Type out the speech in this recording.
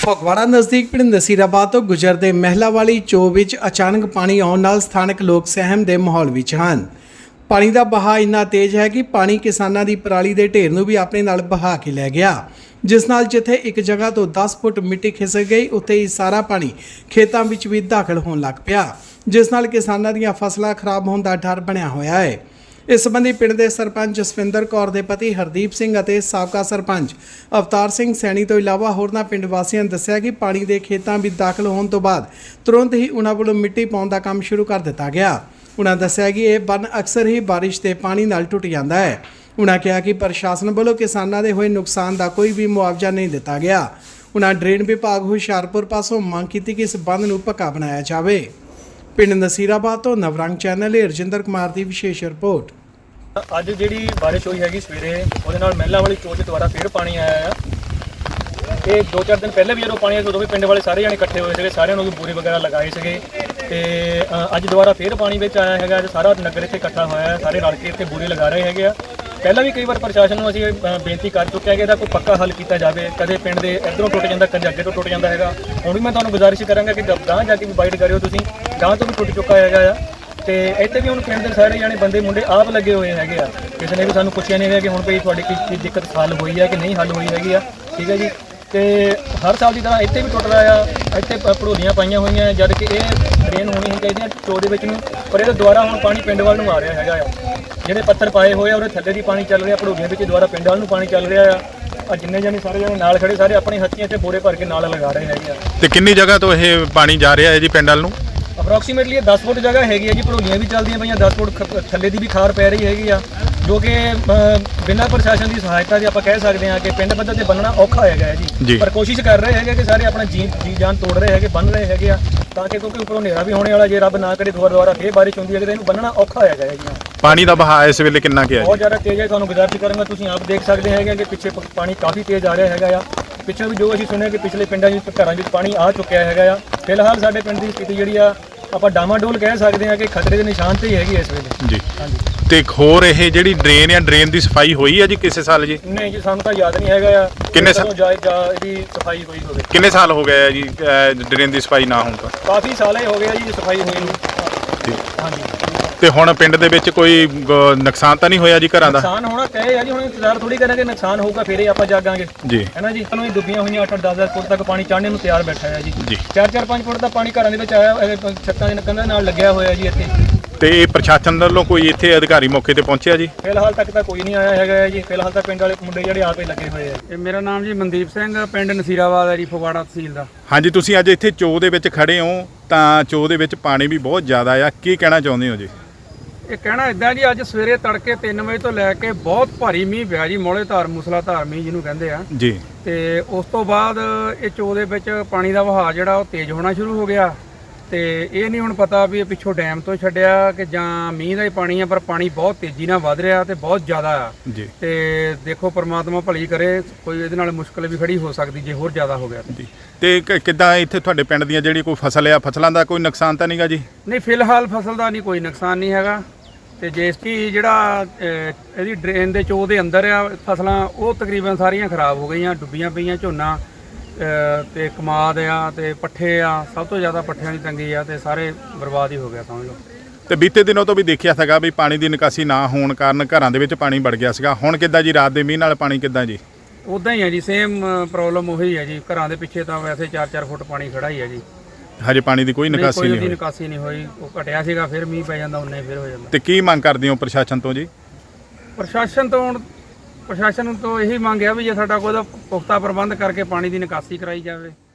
ਫਗਵਾੜਾ ਨਜ਼ਦੀਕ ਪਿੰਡ ਨਸੀਰਾਬਾਦ ਤੋਂ ਗੁਜ਼ਰਦੇ ਮਹਿਲਾ ਵਾਲੀ ਚੋ ਵਿੱਚ ਅਚਾਨਕ ਪਾਣੀ ਆਉਣ ਨਾਲ ਸਥਾਨਕ ਲੋਕ ਸਹਿਮ ਦੇ ਮਾਹੌਲ ਵਿੱਚ ਹਨ। ਪਾਣੀ ਦਾ ਵਹਾਅ ਇੰਨਾ ਤੇਜ਼ ਹੈ ਕਿ ਪਾਣੀ ਕਿਸਾਨਾਂ ਦੀ ਪਰਾਲੀ ਦੇ ਢੇਰ ਨੂੰ ਵੀ ਆਪਣੇ ਨਾਲ ਵਹਾ ਕੇ ਲੈ ਗਿਆ, ਜਿਸ ਨਾਲ ਜਿੱਥੇ ਇੱਕ ਜਗ੍ਹਾ ਤੋਂ 10 ਫੁੱਟ ਮਿੱਟੀ ਖਿਸਕ ਗਈ, ਉੱਥੇ ਹੀ ਸਾਰਾ ਪਾਣੀ ਖੇਤਾਂ ਵਿੱਚ ਵੀ ਦਾਖਲ ਹੋਣ ਲੱਗ ਪਿਆ, ਜਿਸ ਨਾਲ ਕਿਸਾਨਾਂ ਦੀਆਂ ਫਸਲਾਂ ਖਰਾਬ ਹੋਣ ਦਾ ਡਰ ਬਣਿਆ ਹੋਇਆ ਹੈ। ਇਸ ਸੰਬੰਧੀ ਪਿੰਡ ਦੇ ਸਰਪੰਚ ਜਸਵਿੰਦਰ ਕੌਰ ਦੇ ਪਤੀ ਹਰਦੀਪ ਸਿੰਘ ਅਤੇ ਸਾਬਕਾ ਸਰਪੰਚ ਅਵਤਾਰ ਸਿੰਘ ਸੈਣੀ ਤੋਂ ਇਲਾਵਾ ਹੋਰਨਾਂ ਪਿੰਡ ਵਾਸੀਆਂ ਨੇ ਦੱਸਿਆ ਕਿ ਪਾਣੀ ਦੇ ਖੇਤਾਂ ਵਿੱਚ ਦਾਖਲ ਹੋਣ ਤੋਂ ਬਾਅਦ ਤੁਰੰਤ ਹੀ ਉਹਨਾਂ ਵੱਲੋਂ ਮਿੱਟੀ ਪਾਉਣ ਦਾ ਕੰਮ ਸ਼ੁਰੂ ਕਰ ਦਿੱਤਾ ਗਿਆ। ਉਹਨਾਂ ਦੱਸਿਆ ਕਿ ਇਹ ਬੰਨ ਅਕਸਰ ਹੀ ਬਾਰਿਸ਼ ਦੇ ਪਾਣੀ ਨਾਲ ਟੁੱਟ ਜਾਂਦਾ ਹੈ। ਉਹਨਾਂ ਕਿਹਾ ਕਿ ਪ੍ਰਸ਼ਾਸਨ ਵੱਲੋਂ ਕਿਸਾਨਾਂ ਦੇ ਹੋਏ ਨੁਕਸਾਨ ਦਾ ਕੋਈ ਵੀ ਮੁਆਵਜ਼ਾ ਨਹੀਂ ਦਿੱਤਾ ਗਿਆ। ਉਹਨਾਂ ਡਰੇਨ ਵਿਭਾਗ ਹੁਸ਼ਿਆਰਪੁਰ ਪਾਸੋਂ ਮੰਗ ਕੀਤੀ ਕਿ ਇਸ ਬੰਨ ਨੂੰ ਪੱਕਾ ਬਣਾਇਆ ਜਾਵੇ। ਪਿੰਡ ਨਸੀਰਾਬਾਦ ਤੋਂ ਨਵਰੰਗ ਚੈਨਲ ਲਈ ਰਜਿੰਦਰ ਕੁਮਾਰ ਦੀ ਵਿਸ਼ੇਸ਼ ਰਿਪੋਰਟ। ਅੱਜ ਜਿਹੜੀ ਬਾਰਿਸ਼ ਹੋਈ ਹੈਗੀ ਸਵੇਰੇ, ਉਹਦੇ ਨਾਲ ਮਹਿਲਾ ਵਾਲੀ ਚੋਚ ਦੁਆਰਾ ਫਿਰ ਪਾਣੀ ਆਇਆ ਆ। ਇਹ 2-4 ਦਿਨ ਪਹਿਲੇ ਵੀ ਜਦੋਂ ਪਾਣੀ ਆਇਆ ਉਦੋਂ ਵੀ ਪਿੰਡ ਵਾਲੇ ਸਾਰੇ ਜਾਣੇ ਇਕੱਠੇ ਹੋਏ ਸੀਗੇ, ਸਾਰਿਆਂ ਨੂੰ ਵੀ ਬੂਰੇ ਵਗੈਰਾ ਲਗਾਏ ਸੀਗੇ ਤੇ ਅੱਜ ਦੁਬਾਰਾ ਫਿਰ ਪਾਣੀ ਵਿੱਚ ਆਇਆ ਹੈਗਾ। ਅੱਜ ਸਾਰਾ ਨਗਰ ਇੱਥੇ ਇਕੱਠਾ ਹੋਇਆ ਹੈ, ਸਾਰੇ ਰਲ ਕੇ ਇੱਥੇ ਬੂਰੇ ਲਗਾ ਰਹੇ ਹੈਗੇ ਆ। ਪਹਿਲਾਂ ਵੀ ਕਈ ਵਾਰ ਪ੍ਰਸ਼ਾਸਨ ਨੂੰ ਅਸੀਂ ਬੇਨਤੀ ਕਰ ਚੁੱਕੇ ਹਾਂ ਕਿ ਇਹਦਾ ਕੋਈ ਪੱਕਾ ਹੱਲ ਕੀਤਾ ਜਾਵੇ। ਕਦੇ ਪਿੰਡ ਦੇ ਇੱਧਰੋਂ ਟੁੱਟ ਜਾਂਦਾ, ਕਦੇ ਅੱਗੇ ਤੋਂ ਟੁੱਟ ਜਾਂਦਾ ਹੈਗਾ। ਹੁਣ ਵੀ ਮੈਂ ਤੁਹਾਨੂੰ ਗੁਜ਼ਾਰਿਸ਼ ਕਰਾਂਗਾ ਕਿ ਗਾਂ ਜਾ ਕੇ ਵੀ ਵਾਈਡ ਕਰਿਓ, ਤੁਸੀਂ ਗਾਂ ਤੋਂ ਵੀ ਟੁੱਟ ਚੁੱਕਾ ਹੈਗਾ ਆ। ਤੇ ਇੱਥੇ ਵੀ ਹੁਣ ਪਿੰਡ ਦੇ ਸਾਰੇ ਜਾਣੇ ਬੰਦੇ ਮੁੰਡੇ ਆਪ ਲੱਗੇ ਹੋਏ ਹੈਗੇ ਆ। ਕਿਸੇ ਨੇ ਵੀ ਸਾਨੂੰ ਪੁੱਛਿਆ ਨਹੀਂ ਹੈਗਾ ਕਿ ਹੁਣ ਭਈ ਤੁਹਾਡੀ ਕੀ ਦਿੱਕਤ ਹੱਲ ਹੋਈ ਹੈ ਕਿ ਨਹੀਂ ਹੱਲ ਹੋਈ ਹੈਗੀ ਆ। ਠੀਕ ਹੈ ਜੀ। ਤੇ ਹਰ ਸਾਲ ਦੀ ਤਰ੍ਹਾਂ ਇੱਥੇ ਵੀ ਟੁੱਟ ਰਿਹਾ ਆ। ਇੱਥੇ ਭੜੋਲੀਆਂ ਪਾਈਆਂ ਹੋਈਆਂ, ਜਦ ਕਿ ਇਹ ਡਰੇਨ ਹੋਣੀ ਹੀ ਚਾਹੀਦੀ ਹੈ ਚੋ ਦੇ ਵਿੱਚ ਨੂੰ, ਪਰ ਇਹਦੇ ਦੁਆਰਾ ਹੁਣ ਪਾਣੀ ਪਿੰਡ ਵੱਲ ਨੂੰ ਆ ਰਿਹਾ ਹੈਗਾ ਆ। ਜਿਹੜੇ ਪੱਥਰ ਪਾਏ ਹੋਏ ਆ ਉਹਦੇ ਥੱਲੇ ਦੀ ਪਾਣੀ ਚੱਲ ਰਿਹਾ, ਭੜੋਲੀਆਂ ਵਿੱਚ ਦੁਆਰਾ ਪਿੰਡ ਵੱਲ ਨੂੰ ਪਾਣੀ ਚੱਲ ਰਿਹਾ ਆ। ਜਿੰਨੇ ਜਾਣੇ ਸਾਰੇ ਜਾਣੇ ਨਾਲ ਖੜੇ ਸਾਰੇ ਆਪਣੀ ਹੱਥੀਆਂ ਤੇ ਬੋਰੇ ਭਰ ਕੇ ਨਾਲ ਲਗਾ ਰਹੇ ਹੈਗੇ ਆ। ਤੇ ਕਿੰਨੀ ਜਗ੍ਹਾ ਤੋਂ ਇਹ ਪਾਣੀ ਜਾ ਰਿਹਾ ਹੈ ਜੀ ਪਿੰਡ ਵੱਲ ਨੂੰ? ਅਪਰੋਕਸੀਮੇਟਲੀ 10 ਫੁੱਟ ਜਗ੍ਹਾ ਹੈਗੀ ਹੈ ਜੀ। ਭੜੋਲੀਆਂ ਵੀ ਚੱਲਦੀਆਂ ਪਈਆਂ, 10 ਫੁੱਟ ਥੱਲੇ ਦੀ ਵੀ ਖਾਰ ਪੈ ਰਹੀ ਹੈਗੀ ਆ, ਜੋ ਕਿ ਬਿਨਾਂ ਪ੍ਰਸ਼ਾਸਨ ਦੀ ਸਹਾਇਤਾ ਦੇ ਆਪਾਂ ਕਹਿ ਸਕਦੇ ਹਾਂ ਕਿ ਪਿੰਡ ਪੱਧਰ ਤੇ ਬੰਨਣਾ ਔਖਾ ਹੈਗਾ ਹੈ ਜੀ। ਪਰ ਕੋਸ਼ਿਸ਼ ਕਰ ਰਹੇ ਹੈਗੇ ਕਿ ਸਾਰੇ ਆਪਣਾ ਜੀ ਜਾਨ ਤੋੜ ਰਹੇ ਹੈਗੇ, ਬੰਨ ਰਹੇ ਹੈਗੇ ਆ, ਤਾਂ ਕਿ ਕਿਉਂਕਿ ਉੱਪਰੋਂ ਹਨੇਰਾ ਵੀ ਹੋਣੇ ਵਾਲਾ, ਜੇ ਰੱਬ ਨਾ ਕਰੇ ਦੁਬਾਰਾ ਫੇਰ ਬਾਰਿਸ਼ ਹੁੰਦੀ ਹੈ ਕਿ ਇਹਨੂੰ ਬੰਨਣਾ ਔਖਾ ਹੈਗਾ ਹੈ ਜੀ। ਪਾਣੀ ਦਾ ਵਹਾਅ ਇਸ ਵੇਲੇ ਕਿੰਨਾ ਕੁ ਹੈ? ਬਹੁਤ ਜ਼ਿਆਦਾ ਤੇਜ਼ ਹੈ। ਤੁਹਾਨੂੰ ਗੁਜ਼ਾਰਿਸ਼ ਕਰਾਂਗਾ, ਤੁਸੀਂ ਆਪ ਦੇਖ ਸਕਦੇ ਹੈਗੇ ਕਿ ਪਿੱਛੇ ਪਾਣੀ ਕਾਫੀ ਤੇਜ਼ ਆ ਰਿਹਾ ਹੈਗਾ ਆ। ਪਿੱਛੇ ਵੀ ਜੋ ਅਸੀਂ ਸੁਣਿਆ ਕਿ ਪਿਛਲੇ ਪਿੰਡਾਂ ਵਿੱਚ ਘਰਾਂ ਵਿੱਚ ਪਾਣੀ ਆ ਚੁੱਕਿਆ ਹੈਗਾ ਆ। ਫਿਲਹਾਲ ਸਾਡੇ ਪਿੰਡ ਦੀ ਸਥਿਤੀ ਜਿਹੜੀ ਆ ਆਪਾਂ ਡਾਮਾਡੋਲ ਕਹਿ ਸਕਦੇ ਹਾਂ ਕਿ ਖਤਰੇ ਦੇ ਨਿਸ਼ਾਨ ਤੇ ਹੀ ਹੈਗੀ ਇਸ ਵੇਲੇ ਜੀ। ਹਾਂਜੀ। ਤੇ ਇੱਕ ਹੋਰ ਇਹ ਜਿਹੜੀ ਡਰੇਨ ਆ, ਡਰੇਨ ਦੀ ਸਫਾਈ ਹੋਈ ਹੈ ਜੀ ਕਿਸੇ ਸਾਲ ਜੀ? ਨਹੀਂ ਜੀ, ਸਾਨੂੰ ਤਾਂ ਯਾਦ ਨਹੀਂ ਹੈਗਾ ਆ ਕਿੰਨੇ ਸਾਲ ਇਹਦੀ ਸਫਾਈ ਹੋਈ ਹੋਵੇ। ਕਿੰਨੇ ਸਾਲ ਹੋ ਗਏ ਆ ਜੀ ਡਰੇਨ ਦੀ ਸਫਾਈ ਨਾ ਹੋਣ ਤੋਂ? ਕਾਫੀ ਸਾਲ ਹੀ ਹੋ ਗਏ ਜੀ ਸਫਾਈ ਹੋਈ ਨੂੰ। ਜੀ। ਹਾਂਜੀ। ਤੇ ਹੁਣ ਪਿੰਡ ਦੇ ਵਿੱਚ ਕੋਈ ਨੁਕਸਾਨ ਤਾਂ ਨਹੀਂ ਹੋਇਆ ਜੀ ਘਰਾਂ ਦਾ? ਨੁਕਸਾਨ ਹੋਣਾ ਕਹੇ ਆ ਜੀ, ਹੁਣ ਇੰਤਜ਼ਾਰ ਥੋੜੀ ਕਰਾਂਗੇ, ਨੁਕਸਾਨ ਹੋਊਗਾ ਫਿਰ ਹੀ ਆਪਾਂ ਜਾਗਾਂਗੇ ਜੀ, ਹੈ ਨਾ ਜੀ। ਸਾਨੂੰ ਇਹ ਡੁੱਬੀਆਂ ਹੋਈਆਂ 8-10 ਫੁੱਟ ਤੱਕ ਪਾਣੀ ਚੜ੍ਹਨੇ ਨੂੰ ਤਿਆਰ ਬੈਠਾ ਹੈ ਜੀ। 4-5 ਫੁੱਟ ਦਾ ਪਾਣੀ ਘਰਾਂ ਦੇ ਵਿੱਚ ਆਇਆ, ਛੱਤਾਂ ਦੇ ਕੰਧਾਂ ਨਾਲ ਲੱਗਿਆ ਹੋਇਆ ਜੀ ਇੱਥੇ। ਤੇ ਇਹ ਪ੍ਰਸ਼ਾਸਨ ਵੱਲੋਂ ਕੋਈ ਇੱਥੇ ਅਧਿਕਾਰੀ ਮੌਕੇ ਤੇ ਪਹੁੰਚਿਆ ਜੀ? ਫਿਲਹਾਲ ਤੱਕ ਤਾਂ ਕੋਈ ਨਹੀਂ ਆਇਆ ਹੈਗਾ ਜੀ। ਫਿਲਹਾਲ ਤਾਂ ਪਿੰਡ ਵਾਲੇ ਮੁੰਡੇ ਜਿਹੜੇ ਆਪੇ ਲੱਗੇ ਹੋਏ ਆ। ਇਹ ਮੇਰਾ ਨਾਮ ਜੀ ਮਨਦੀਪ ਸਿੰਘ, ਪਿੰਡ ਨਸੀਰਾਬਾਦ ਹੈ ਜੀ, ਫਗਵਾੜਾ ਤਹਿਸੀਲ ਦਾ। ਹਾਂਜੀ, ਤੁਸੀਂ ਅੱਜ ਇੱਥੇ ਚੋ ਦੇ ਵਿੱਚ ਖੜੇ ਹੋ, ਤਾਂ ਚੋ ਦੇ ਵਿੱਚ ਪਾਣੀ ਵੀ ਬਹੁਤ ਜ਼ਿਆਦਾ ਆ, ਕੀ ਕਹਿਣਾ ਚਾਹੁੰਦੇ ਹੋ ਜੀ? ਇਹ ਕਹਿਣਾ ਇਦਾਂ ਜੀ, ਅੱਜ ਸਵੇਰੇ ਤੜਕੇ 3 ਵਜੇ ਤੋਂ ਲੈ ਕੇ ਬਹੁਤ ਭਾਰੀ ਮੀਂਹ ਪਿਆ ਜੀ, ਮੌਲੇ ਧਾਰ ਮੂਸਲਾਧਾਰ ਮੀਂਹ ਜਿਹਨੂੰ ਕਹਿੰਦੇ ਆ ਜੀ। ਤੇ ਉਸ ਤੋਂ ਬਾਅਦ ਇਹ ਚੋ ਦੇ ਵਿੱਚ ਪਾਣੀ ਦਾ ਵਹਾਅ ਜਿਹੜਾ ਉਹ ਤੇਜ਼ ਹੋਣਾ ਸ਼ੁਰੂ ਹੋ ਗਿਆ। ਤੇ ਇਹ ਨਹੀਂ ਹੁਣ ਪਤਾ ਵੀ ਇਹ ਪਿੱਛੋਂ ਡੈਮ ਤੋਂ ਛੱਡਿਆ ਕਿ ਜਾਂ ਮੀਂਹ ਦਾ ਹੀ ਪਾਣੀ ਆ, ਪਰ ਪਾਣੀ ਬਹੁਤ ਤੇਜ਼ੀ ਨਾਲ ਵੱਧ ਰਿਹਾ ਤੇ ਬਹੁਤ ਜ਼ਿਆਦਾ ਆ ਜੀ। ਤੇ ਦੇਖੋ ਪਰਮਾਤਮਾ ਭਲੀ ਕਰੇ, ਕੋਈ ਇਹਦੇ ਨਾਲ ਮੁਸ਼ਕਲ ਵੀ ਖੜੀ ਹੋ ਸਕਦੀ ਜੇ ਹੋਰ ਜ਼ਿਆਦਾ ਹੋ ਗਿਆ ਜੀ। ਤੇ ਕਿੱਦਾਂ ਇੱਥੇ ਤੁਹਾਡੇ ਪਿੰਡ ਦੀਆਂ ਜਿਹੜੀ ਕੋਈ ਫਸਲ ਆ, ਫਸਲਾਂ ਦਾ ਕੋਈ ਨੁਕਸਾਨ ਤਾਂ ਨਹੀਂਗਾ ਜੀ? ਨਹੀਂ, ਫਿਲਹਾਲ ਫਸਲ ਦਾ ਨਹੀਂ ਕੋਈ ਨੁਕਸਾਨ ਨਹੀਂ ਹੈਗਾ। ਤੇ ਜਿਸਕੀ ਜਿਹੜਾ ਇਹਦੀ ਡਰੇਨ ਦੇ ਚੋ ਦੇ ਅੰਦਰ ਆ ਫਸਲਾਂ, ਉਹ ਤਕਰੀਬਨ ਸਾਰੀਆਂ ਖਰਾਬ ਹੋ ਗਈਆਂ, ਡੁੱਬੀਆਂ ਪਈਆਂ। ਝੋਨਾ ਤੇ ਕਮਾਦ ਆ ਤੇ ਪੱਠੇ ਆ, ਸਭ ਤੋਂ ਜ਼ਿਆਦਾ ਪੱਠਿਆਂ ਦੀ ਤੰਗੀ ਆ, ਤੇ ਸਾਰੇ ਬਰਬਾਦ ਹੀ ਹੋ ਗਿਆ ਸਮਝ ਲਓ। ਤੇ ਬੀਤੇ ਦਿਨੋਂ ਤੋਂ ਵੀ ਦੇਖਿਆ ਸੀਗਾ ਵੀ ਪਾਣੀ ਦੀ ਨਿਕਾਸੀ ਨਾ ਹੋਣ ਕਾਰਨ ਘਰਾਂ ਦੇ ਵਿੱਚ ਪਾਣੀ ਵੜ ਗਿਆ ਸੀਗਾ। ਹੁਣ ਕਿੱਦਾਂ ਜੀ, ਰਾਤ ਦੇ ਮੀਂਹ ਨਾਲ ਪਾਣੀ ਕਿੱਦਾਂ ਜੀ? ਉੱਦਾਂ ਹੀ ਹੈ ਜੀ, ਸੇਮ ਪ੍ਰੋਬਲਮ ਉਹੀ ਹੈ ਜੀ। ਘਰਾਂ ਦੇ ਪਿੱਛੇ ਤਾਂ ਵੈਸੇ 4-4 ਫੁੱਟ ਪਾਣੀ ਖੜਾ ਹੀ ਹੈ ਜੀ। ਹਜੇ ਪਾਣੀ ਦੀ ਕੋਈ ਨਿਕਾਸੀ ਨਹੀਂ ਹੋਈ? ਨਿਕਾਸੀ ਨਹੀਂ ਹੋਈ। ਉਹ ਘਟਿਆ ਸੀਗਾ, ਫਿਰ ਮੀਂਹ ਪੈ ਜਾਂਦਾ, ਉਨਾ ਹੀ ਫਿਰ ਹੋ ਜਾਂਦਾ। ਤੇ ਕੀ ਮੰਗ ਕਰਦੇ ਹੋ ਪ੍ਰਸ਼ਾਸਨ ਤੋਂ ਜੀ? ਪ੍ਰਸ਼ਾਸਨ ਤੋਂ ਇਹੀ ਮੰਗ ਹੈ ਵੀ ਜੇ ਸਾਡਾ ਕੋਈ ਪੁਖਤਾ ਪ੍ਰਬੰਧ ਕਰਕੇ ਪਾਣੀ ਦੀ ਨਿਕਾਸੀ ਕਰਾਈ ਜਾਵੇ।